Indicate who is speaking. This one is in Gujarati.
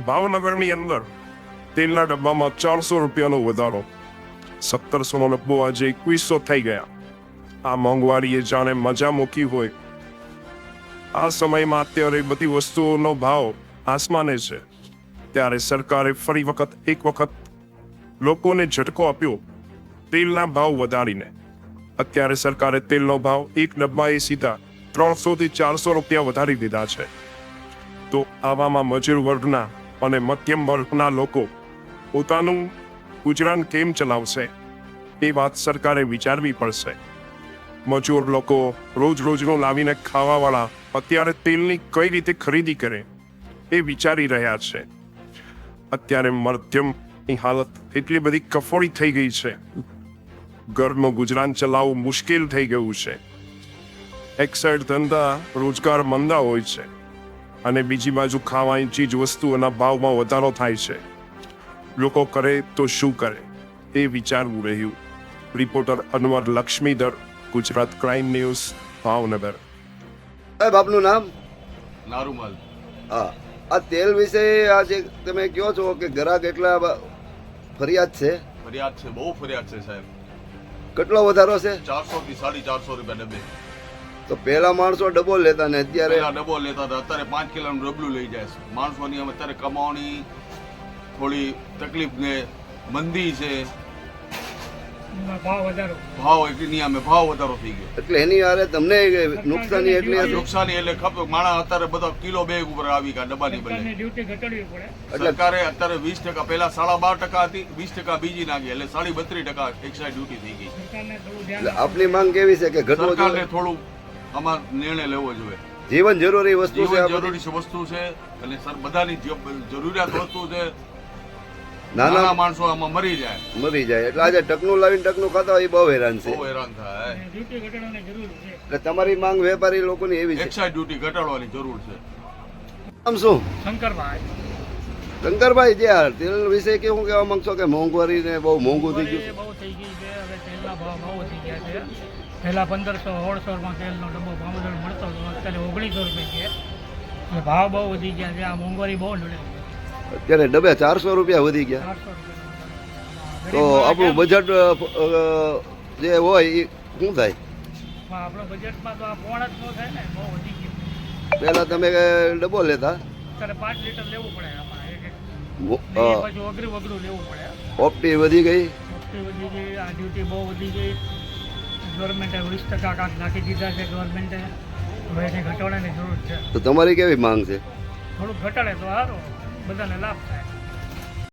Speaker 1: ભાવનગરની અંદર તેલના ડબ્બામાં 400 રૂપિયાનો વધારો, 1700નો ડબ્બો આજે 2100 થઈ ગયા. આ મોંઘવારીએ જાણે મજા મૂકી હોય. આ સમયમાં અત્યારે બધી વસ્તુઓનો ભાવ આસમાને છે, ત્યારે સરકારે ફરી એક વખત લોકોને ઝટકો આપ્યો તેલના ભાવ વધારીને. અત્યારે સરકારે તેલનો ભાવ એક ડબ્બાએ સીધા 300 થી 400 રૂપિયા વધારી દીધા છે. તો આવામાં મજૂર વર્ગના અને મધ્યમ વર્ગના લોકો પોતાનું ગુજરાન કેમ ચલાવશે એ વાત સરકારે વિચારવી પડશે. મજૂર લોકો રોજનું લાવીને ખાવાવાળા અત્યારે તેલની કઈ રીતે ખરીદી કરે એ વિચારી રહ્યા છે. અત્યારે મધ્યમની હાલત એટલી બધી કફોડી થઈ ગઈ છે, ઘરનું ગુજરાન ચલાવવું મુશ્કેલ થઈ ગયું છે. એક સાઈડ ધંધા રોજગાર મંદા હોય છે અને બીજી બાજુ ખાવાની ચીજ વસ્તુઓના ભાવમાં વધારો થાય છે. લોકો કરે તો શું કરે એ વિચારવું રહ્યું. Reporter Anwar Laxmidhar, Gujarat crime news, Bhavnagar.
Speaker 2: સાહેબ આપનું નામ?
Speaker 3: નારુમલ.
Speaker 2: હા, આ તેલ વિશે આજે તમે કહો છો કે ગ્રાહક એટલા ફરિયાદ છે?
Speaker 3: ફરિયાદ છે, બહુ ફરિયાદ છે સાહેબ.
Speaker 2: કેટલો વધારો છે?
Speaker 3: 400 થી 450 રૂપિયા ડબ્બે.
Speaker 2: તો પહેલા માણસો ડબો લેતા ને અત્યારે
Speaker 3: પહેલા ડબ્બો લેતા હતા, અત્યારે 5 કિલોનું ડબલું લઈ જાય છે. માણસોની અત્યારે કમાવાની થોડી તકલીફ ને મંદી છે, ભાવ વધારો થઈ ગયો
Speaker 2: એટલે એની હારે તમને નુકસાની એટલી હતી?
Speaker 3: નુકસાની એટલે ખબર માણસ અત્યારે બધા કિલો બેગ ઉપર આવી ગયા ડબ્બાની બદલે. સરકારે અત્યારે 20%, પહેલા 12.5% હતી, 20% બીજી નાખી એટલે 32% એક્સાઇઝ ડ્યુટી થઈ ગઈ.
Speaker 2: એટલે આપની માંગ કેવી છે કે ઘટવું
Speaker 3: સરકારને
Speaker 2: જોઈએ?
Speaker 3: થોડું આમાં નિર્ણય લેવો જોઈએ.
Speaker 2: જીવન જરૂરી વસ્તુ છે,
Speaker 3: જીવન જરૂરી વસ્તુ છે અને સર બધાની જરૂરિયાત વસ્તુ છે. નાના માણસો આમાં મરી જાય
Speaker 2: એટલે આજે ટકનું લાવીને ટકનું ખાતા હોય એ બહુ હેરાન છે.
Speaker 3: બહુ હેરાન થાય.
Speaker 2: એટલે તમારી માંગ વેપારી લોકોની એવી છે?
Speaker 3: એક્સાઇઝ ડ્યુટી ઘટાડવાની જરૂર છે.
Speaker 2: આમ શું શંકરભાઈ, જે આ તેલ વિશે કેવું કહેવા માંગશો કે મોંઘવારી ને બહુ મોંઘું થઈ ગયું?
Speaker 4: બહુ થઈ ગઈ છે. હવે તેલના ભાવ બહુ વધી ગયા છે. પહેલા 1500-1600 તેલનો ડબ્બો ભાવનગર મળતો હતો, અત્યારે 1900 રૂપિયા છે. એટલે ભાવ બહુ વધી ગયા છે. આ મોંઘવારી બહુ નડે.
Speaker 2: અત્યારે ડબ્બે 400 રૂપિયા વધી ગયા.
Speaker 4: 400
Speaker 2: તો આપણું બજેટ જે હોય એ શું થાય?
Speaker 4: આપણા બજેટમાં તો આ પોણ જ ન થાય ને, બહુ વધી ગયું.
Speaker 2: પહેલા તમે ડબ્બો લેતા,
Speaker 4: અત્યારે 5 લીટર લેવું પડે આમાં એક. પછી અઘરું લેવું પડે.
Speaker 2: ઓપ્ટી વધી ગઈ,
Speaker 4: વસ્તી વધી ગઈ, આ ડ્યુટી બહુ વધી ગઈ. ગવર્મેન્ટે 20% કાંક નાખી દીધા છે ગવર્મેન્ટે. હવે એને ઘટાડવાની જરૂર છે.
Speaker 2: તો તમારી કેવી માંગ છે?
Speaker 4: થોડુંક ઘટાડે તો સારું, બધાને લાભ થાય.